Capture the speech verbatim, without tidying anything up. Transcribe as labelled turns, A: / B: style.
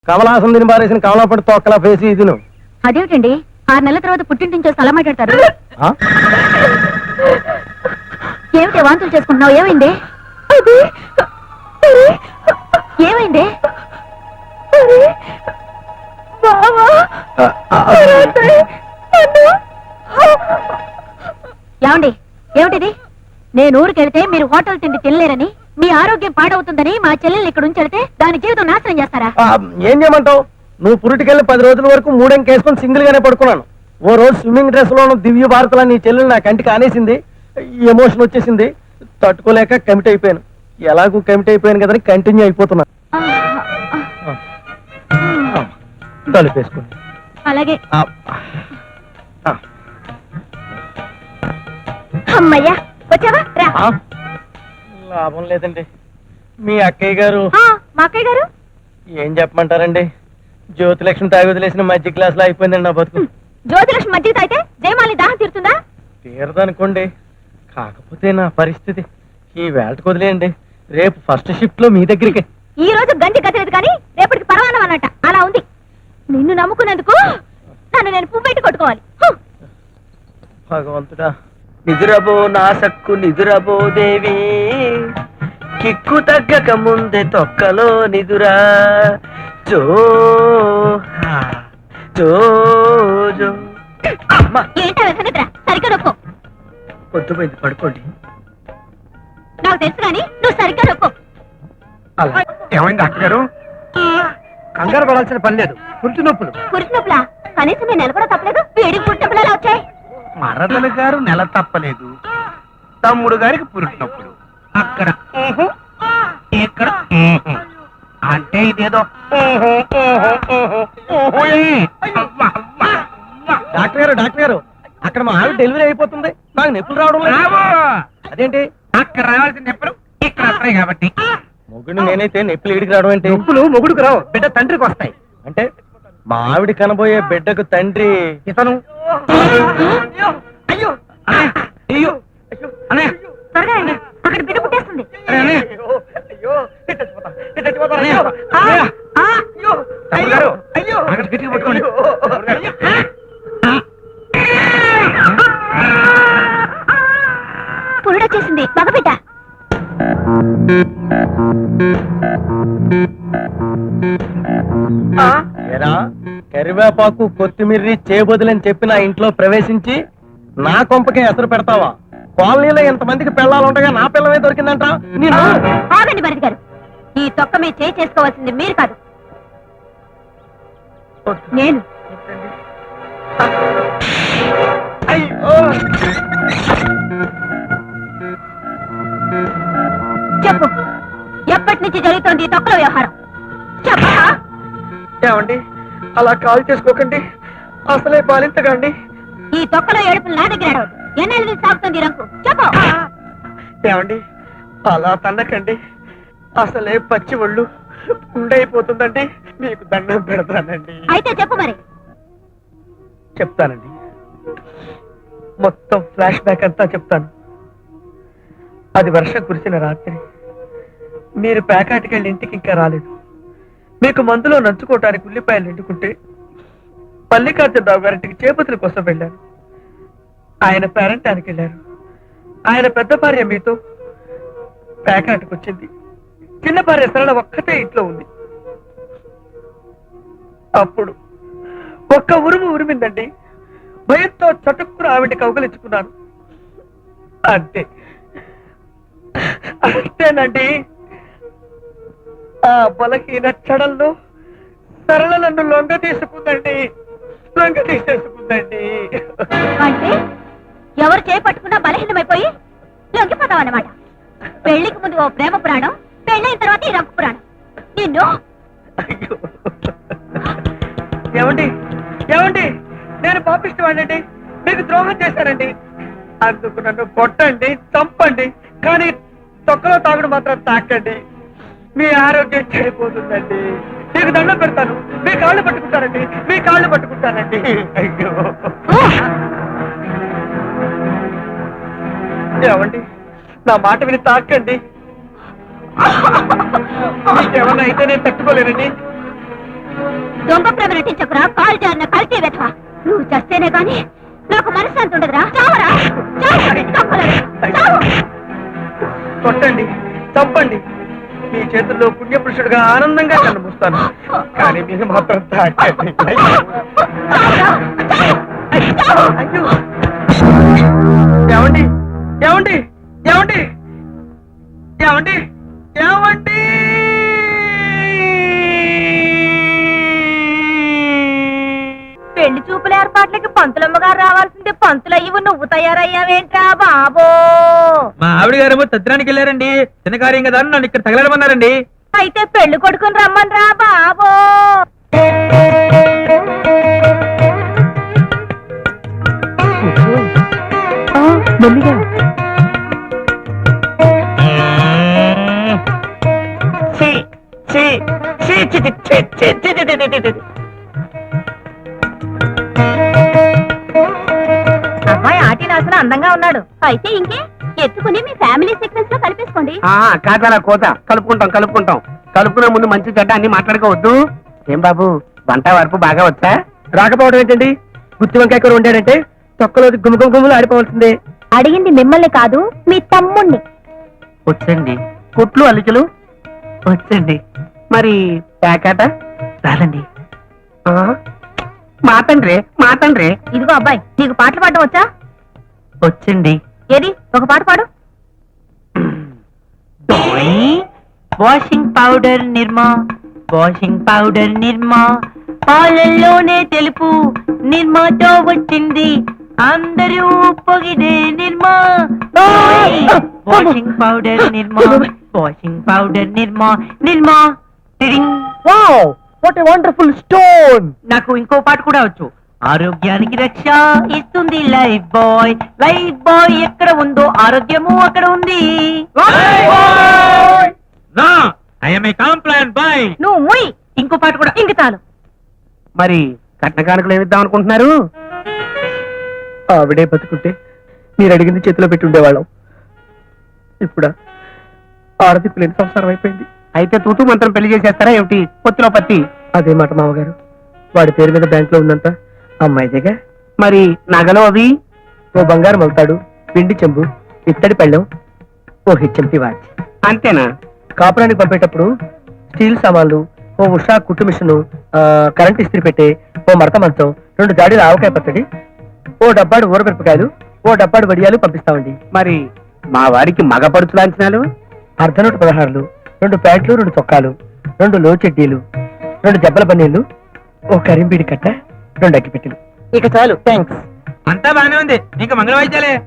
A: కమలాసం తిని బారేసిన కమలాపడి తొక్కలా ఫేసి ఇది నువ్వు.
B: అదేమిటండి ఆరు నెలల తర్వాత పుట్టింటి స్థలం మాట్లాడతారు. ఏమిటి వాంతులు చేసుకుంటున్నావు? ఏమైంది? ఏమైంది? ఏమండి ఏమిటిది? నేను ఊరికెళ్తే మీరు హోటల్ తిండి తినలేరని, మీ ఆరోగ్యం పాడవుతుందని మా చెల్లెల్ని ఇక్కడ ఉంచెడితే దాని జీవితం నాశనం చేస్తారా?
A: ఏం చేయమంటావు? నువ్వు పురిటికెళ్ళి పది రోజుల వరకు మూడెంకేసుకొని సింగిల్ గానే పడుకున్నాను. ఓ రోజు స్విమ్మింగ్ డ్రెస్ లోను దివ్య భారతలా నీ చెల్లెలు నా కంటికి ఆనేసింది. ఎమోషన్ వచ్చేసింది, తట్టుకోలేక కమిట్ అయిపోయాను. ఎలాగూ కమిట్ అయిపోయాను కదని కంటిన్యూ అయిపోతున్నా. తలుపేసుకోండి.
B: అలాగే. అమ్మయ్యా వచ్చావా?
A: లాభం లేదండి. మీ అక్కయ్య గారు.
B: మా అక్కయ్య గారు
A: ఏం చెప్పమంటారండి? జ్యోతిలక్ష్మి తాగి వదిలేసిన మధ్య క్లాస్ లో అయిపోయిందండి నా బతుకు.
B: జ్యోతిలక్ష్మి మధ్య తాగితే జయమాలి దాహం తీరుతుందా?
A: తీరదనుకోండి, కాకపోతే నా పరిస్థితి ఈ వేళకు వదిలేయండి. రేపు ఫస్ట్ షిఫ్ట్ లో మీ దగ్గరికి.
B: ఈ రోజు గంజి గతలేదు కానీ రేపటికి పరవానం అన్నట్ట అలా ఉంది. నిన్ను నమ్ముకున్నందుకు నన్ను నేను పువ్వెట్టి కొట్టుకోవాలి.
A: భగవంతుడా, నిదురబో నా సక్కు నిదురబో దేవి, కిక్కు తగ్గక ముందే తొక్కలో నిదురా జో జో జో.
B: ఏంటో నిద్ర సరిగ్గా నొక్కో.
A: పొద్దుపోయింది, పడుకోండి.
B: నాకు తెలుసు కానీ నువ్వు సరిగ్గా నొక్కో.
A: ఏమైంది డాక్టర్ గారు? కంగారు పడాల్సిన పని లేదు, పురుటి నొప్పులు.
B: పురుటి నొప్పులా? కనీసం నేను నెల కూడా తప్పలేదు, వేడికి పుట్టి నొప్పులు ఎలా వచ్చాయి?
C: మరదల గారు నెల తప్పలేదు, తమ్ముడు గారికి పురుటి నొప్పులు. అక్కడ ఇక్కడ అంటే ఇదేదో.
A: డాక్టర్ గారు డాక్టర్ గారు అక్కడ మా ఆవిడ డెలివరీ అయిపోతుంది, నాకు నొప్పులు రావడం లేదు. అదేంటి?
C: అక్కడ రావాల్సిన నొప్పులు ఇక్కడ వస్తాయి కాబట్టి.
A: మొగుడు నేనైతే నొప్పులు ఈడికి రావడం ఏంటి?
C: నొప్పులు మొగుడుకు రావు, బిడ్డ తండ్రికి వస్తాయి.
A: అంటే మా ఆవిడ కనబోయే బిడ్డకు తండ్రి
C: ఇతను. అయ్యో అయ్యో అనే
B: త్వరగా రండి, అక్కడ బిడ్డ పుట్టేస్తుంది.
C: అక్కడ గట్టిగా పట్టుకోండి.
B: పురుడొచ్చేసింది, మగబిడ్డ.
A: ఎరా కరివేపాకు కొత్తిమీర్రి చేయబోదులని చెప్పి నా ఇంట్లో ప్రవేశించి నా కొంపకే ఎసరు పెడతావా? కాలనీలో ఎంతమందికి పిల్లలుండగా నా పిల్లమే దొరికిందంట.
B: ఆగండి భరత్ గారు, ఈ తొక్క మీద చేయి చేసుకోవాల్సింది మీరు కాదు, నేను. చెప్పు, ఎప్పటి నుంచి జరుగుతోంది ఈ తొక్కల వ్యవహారం? చెప్పా.
A: ఏమండి అలా కాల్ చేసుకోకండి, అసలే పాలించకండి.
B: ఈ తొక్కలో ఏడుపులు నా దగ్గర అడవద్దు. ఎన్నెల నుంచి సాగుతుంది రంకు? చెప్పు.
A: ఏమండి అలా తన్నకండి, అసలే పచ్చి ఒళ్ళు ఉండైపోతుందండి. మీకు దండం పెడతానండి.
B: అయితే చెప్పు మరి.
A: చెప్తానండి, మొత్తం ఫ్లాష్ బ్యాక్ అంతా చెప్తాను. అది వర్షం కురిసిన రాత్రి, మీరు ప్యాకాటికెళ్ళి ఇంటికి ఇంకా రాలేదు. మీకు మందులో నంచుకోవటానికి ఉల్లిపాయలు నిండుకుంటే మల్లికార్జునరావు గారింటికి చేపతుల కోసం వెళ్ళాను. ఆయన పేరంటానికి వెళ్ళారు. ఆయన పెద్ద భార్య మీతో ప్యాకాటికి వచ్చింది. చిన్న భార్య సరళ ఒక్కతే ఇంట్లో ఉంది. అప్పుడు ఒక్క ఉరుము ఉరిమిందండి. భయంతో చటుక్కున ఆవిడ కౌగలించుకున్నాను. అంతే అంతేనండి. ఆ బలహీన క్షణంలో సరళ నన్ను లొంగ తీసుకుందండి, లొంగ తీసేసుకుందండి.
B: అంటే ఎవరు చేపట్టుకున్నా బలహీనమైపోయి లొంగిపోతావు అన్నమాట. పెళ్లికి ముందు ఓ ప్రేమ పురాణం, పెళ్ళైన తర్వాత ఈ రంకు పురాణం. నిన్ను
A: ఏమండి ఏమండి నేను పాపిష్టి వాడండి, మీకు ద్రోహం చేశానండి. అందుకు నన్ను కొట్టండి, చంపండి, కానీ తొక్కలో తాగుడు మాత్రం తాకండి. మీ ఆరోగ్యం చెడిపోతుందండి. మీకు దండం పెడతాను, మీ కాళ్ళు పట్టుకుంటానండి, మీ కాళ్ళు పట్టుకుంటానండి. అయ్యో ఏమండి నా మాట విని తాకండి. మీకేమన్నా అయితే నేను తట్టుకోలేనండి.
B: దొంగ ప్రేమ నటించకురా, కాలు జారిన కల్తీ వెధవా. నువ్వు చస్తేనే గాని నాకు మనశ్శాంతి ఉండదురా. చావరా, చావు, దొంగలరా, చావు.
A: కొట్టండి, చంపండి, మీ చేతుల్లో పుణ్యపురుషుడుగా ఆనందంగా నన్ను మూస్తాను. కానీ మీరు మాత్రం తాకండి.
B: చావురా, చావు, చావు.
A: అయ్యో! ఏమండి ఏమండి ఏమండి ఏమండి ఏమండి
B: పెళ్లి చూపుల ఏర్పాట్లకి పంతులమ్మ గారు రావాల్సిందే. పంతులు అయ్యి నువ్వు తయారయ్యావేంట్రా బాబో?
C: మా ఆవిడ గారేమో తద్దినానికి వెళ్ళారండి. చిన్న కార్యం కదా అని నన్ను ఇక్కడ తగలడమన్నారండి.
B: అయితే పెళ్లి కొడుకుని రమ్మన్రా బాబో.
A: మెల్లిగా ఛీ, ఛీ, ఛీ, ఛీ, ఛీ, ఛీ, ఛీ, ఛీ, ఛీ, ఛీ, ఛీ, ఛీ.
B: అబ్బాయి ఆటి నాసన అందంగా ఉన్నాడు. అయితే ఇంకే ఎత్తుకుని మీ ఫ్యామిలీ సీక్వెన్స్ లో కలిపేసుకోండి.
C: కాదలా కోత కలుపుకుంటాం కలుపుకుంటాం కలుపుకునే ముందు మంచి చెడ్డ అన్ని మాట్లాడుకోవద్దు. ఏం బాబు వంట వరపు బాగా వచ్చా?
A: రాకపోవడం ఏంటండి? గుత్తి వంకాయ కూర వండాడంటే తొక్కలో గుమగుమ గుమ్మలు ఆడిపోవాల్సిందే.
B: అడిగింది మిమ్మల్ని కాదు, మీ తమ్ముణ్ణి.
C: వచ్చండి. కుట్లు అల్లికలు వచ్చండి. మరి ప్యాకాట రాదండి. మాతండ్రే మాతండ్రే
B: ఇదిగో అబ్బాయి, నీకు పాటలు పాడడం వచ్చా?
C: వచ్చండి.
B: ఏది ఒక పాట పాడు.
C: Washing powder Nirma, washing powder Nirma, పాలల్లోనే తెలుపు నిర్మాతో వచ్చింది, అందరూ పొగిడే Nirma. Washing powder Nirma, washing powder Nirma, Nirma. టిడింగ్.
A: Wow, what a wonderful stone.
C: నాకు ఇంకో పాట కూడా వచ్చు. ఆరోగ్యానికి రక్ష ఇస్తుంది లైఫ్ బాయ్, లైఫ్ బాయ్ ఎక్కడ ఉందో ఆరోగ్యము అక్కడ ఉంది.
B: నువ్వు ముయ్.
C: ఇంకో పాట కూడా.
B: ఇంక చాలు.
C: మరి కట్న కానుకలు ఏమిద్దాం అనుకుంటున్నారు?
A: ఆవిడే బతుకుంటే మీరు అడిగింది చేతిలో పెట్టి ఉండేవాళ్ళం. ఇప్పుడా ఆడదిప్పు లేని సంసారం అయిపోయింది.
C: అయితే తూతూ మంత్రం పెళ్లి చేసేస్తారా ఏమిటి? పొత్తిలో పత్తి.
A: అదే మాట మామగారు, వాడి పేరు మీద బ్యాంక్ లో ఉందంత అమ్మాయిదేగా.
C: మరి నగలు అవి?
A: ఓ బంగారు మగుతాడు, పిండి చెంబు, ఇత్తడి పళ్ళెం, ఓ హెచ్ఎంటి వాచ్.
C: అంతేనా?
A: కాపురానికి పంపేటప్పుడు స్టీల్ సామాన్లు, ఓ ఉషా కుట్టు మిషను, కరెంట్ ఇస్త్రీ పెట్టే, ఓ మడత మంచం, రెండు జాడీల ఆవకాయ పచ్చడి, ఓ డబ్బాడు ఊరమిరపకాయలు, ఓ డబ్బాడు వడియాలు పంపిస్తామండి.
C: మరి మా వారికి మగ పడుచు లాంఛనాలు?
A: అర్ధనూట పదహారులు, రెండు ప్యాంట్లు, రెండు చొక్కాలు, రెండు లో చెడ్డీలు, రెండు జబ్బల పన్నీళ్లు, ఓ కరింబీడి కట్ట, రెండు అగ్గిపెట్టెలు. ఇక చాలు, థ్యాంక్స్.
C: అంతా బాగానే ఉంది. ఇంకా మంగళ వాయిద్యాలే.